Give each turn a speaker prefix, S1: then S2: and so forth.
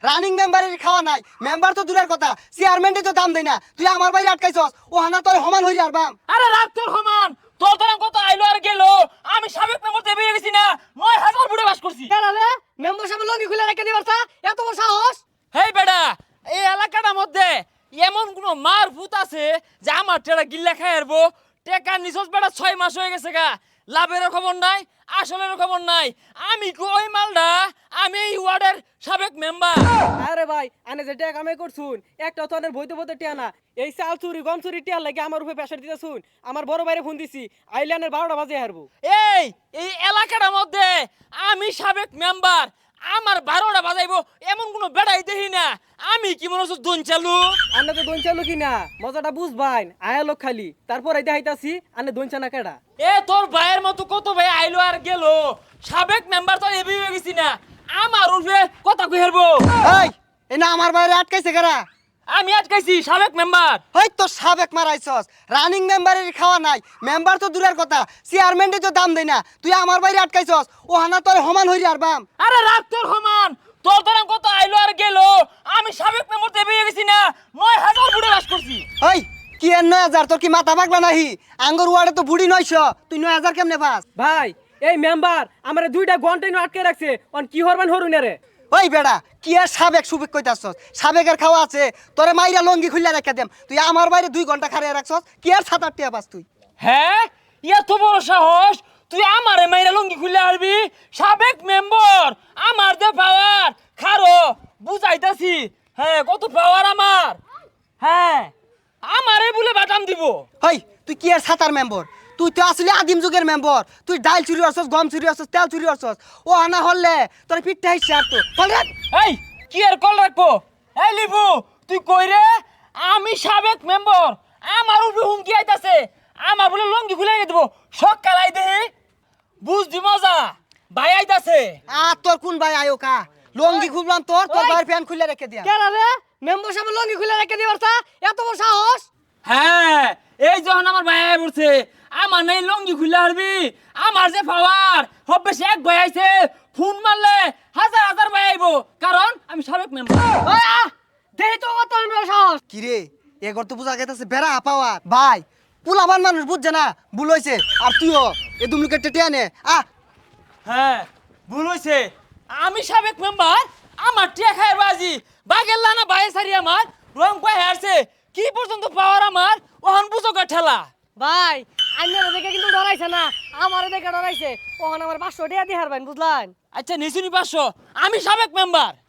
S1: Running মেম্বারের খাওয়া নাই, মেম্বার তো দূরের কথা, চেয়ারম্যানই তো দাম দেয় না। তুই আমার বাইরে আটকাইছস, ও হানা তোর সমান হই আর বাম।
S2: আরে রাখ তোর সমান, তোর তোর কত আইলো আর গেল। আমি সাবেক মেম্বার দেবে গেছি না, ৯,০০০ বুড়ে বাস করছি।
S3: কেরালে মেম্বার সাহেব লঙ্গি খুলে রেখে দিবারতা, এত বড় সাহস?
S2: হেই বেটা, এই এলাকাটার মধ্যে এমন কোন মার ভূত আছে যে আমার টেরা গিল্লা খাই আরবো? টেকা নিছস বেটা ৬ মাস হয়ে গেছে গা, লাভেরও খবর নাই, আসলেরও খবর নাই। আমি কই মালডা, আমি এই ওয়ার্ডের সাবেক মেম্বার।
S3: আরে ভাই আনে যে টাকা কামাই করছুন, একটা তো আনের বইতে বইতে টিয়া না। এই চাল চুরি গম চুরি টিয়ার লাগে আমার উপরে প্রেসার দিতেছুন। আমার বড় ভাইরে ফোন দিছি, আইল্যান্ডের 12টা বাজে হারবো।
S2: এই এলাকাটার মধ্যে আমি সাবেক মেম্বার, আমার 12টা বাজাইবো এমন কোনো বেড়াই দেখি না। আমি কি মনে হচ্ছে দোন চালু?
S3: আন্না তো দোন চালু কি না, মজাটা বুঝবাইন। আয়া লোক খালি, তারপর এই দেখাইতাছি আনে দোন চানা কেডা।
S2: তোর ভাইয়ের মতো কত ভাই আইলো আর গেল, সাবেক মেম্বার তো এবি হয়ে গেছি না। আমার উঠবে কথা কই হারবো?
S1: এই এ না আমার বাইরে আটকাইছে কারা?
S2: আমি আটকাইছি সাবেক মেম্বার।
S1: হই তো সাবেক মারাইছস, রানিং মেম্বারের খাওয়া নাই, মেম্বার তো দূরের কথা, চেয়ারম্যানই তো দাম দেয় না। তুই আমার বাইরে আটকাইছস, ও হানা তোর সমান হই আর বাম।
S2: আরে রাখ তোর সমান, তোর তোর কত আইলো আর গেল। আমি সাবেক মেম্বার দেবে গেছি না, ৯,০০০ বুড়ে বাস করছি।
S1: ওই কি আর ৯,০০০? তোর কি মাথা পাগলা নাহি? আঙ্গুর ওয়ার্ডে তো বুড়ি ৯০০, তুই ৯,০০০ কেমনে পাস?
S3: ভাই এই মেম্বার আমার 2টা ঘন্টা আটকে রাখছে, অন কি হরবান হরুন রে।
S1: ওই বেড়া কি আর সাবেক সুবেক কইতাছস? সাবেকের খাওয়া আছে, তোরে মাইরা লঙ্গি খুললা রেখে দেম। তুই আমার বাইরে 2 ঘন্টা খাড়িয়ে রাখছস, কি আর ৭-৮ টিয়া পাস তুই?
S2: হ্যাঁ, এত বড় সাহস, তুই আমারে মাইরা লঙ্গি খুলে আসবি? সাবেক মেম্বার, আমার যে পাওয়ার খারো বুঝাইতাছি। হ্যাঁ, কত পাওয়ার আমার। হ্যাঁ, আমারে বলে বাটাম দিব।
S1: হই তুই কি আর সাতার মেম্বার? তুই তো আসলে আদিম যুগের মেম্বার। তুই ডাল চুরি করছস, গম চুরি করছস, তেল চুরি করছস। ও আনা হলে তোর পিঠটা হিসছে আর তো চল রে।
S2: এই কি আর কল রাখবো? এই লিবু, তুই কই রে? আমি সাবেক মেম্বার, আমার উপরে হুমকি আইতাছে। আমার বলে লঙ্গি খুলে দেব, সকাল আই দেহি বুঝবি মজা। ভাই আইতাছে।
S1: আর তোর কোন ভাই আয়ো কা? লঙ্গি খুললাম তোর, তোর ভাইয়ের ফ্যান খুলে রেখে দিয়া।
S3: কেরালে মেম্বার সাহেব লঙ্গি খুলে রেখে দিবারতা, এত বড় সাহস?
S2: হ্যাঁ, এই যখন আমার ভাই আই পড়ছে, আমার নেই লঙ্গি খুলে আসবি। আমার যে পাওয়ার হবে, সে এক ভাই আইছে, ফোন মারলে হাজার হাজার ভাই আইবো, কারণ আমি সাবেক মেম্বার।
S3: দেই তো কত বড় সাহস।
S1: কি রে এগর তো বুঝা গেছে বেড়া পাওয়ার ভাই। পুলাবান মানুষ বুঝছে না, ভুল হইছে। আর তুইও এ দুমলুকে টেটিয়া নে আ।
S2: হ্যাঁ, ভুল হয়েছে। আমি সাবেক মেম্বার, আমার টিয়া খায় বাজি বাগের লানা বাইরে সারি আমার রং পায়ে হারছে। কি পর্যন্ত পাওয়ার আমার, ওহন বুঝোগা ঠেলা।
S3: ভাই আইনারে দেখে কিন্তু ডরাইছে না, আমারে দেখে ডরাইছে। ওখানে আমার 500 টাকা দিয়ে হারবেন, বুঝলেন?
S2: আচ্ছা নিশুনি 500, আমি সাবেক মেম্বার।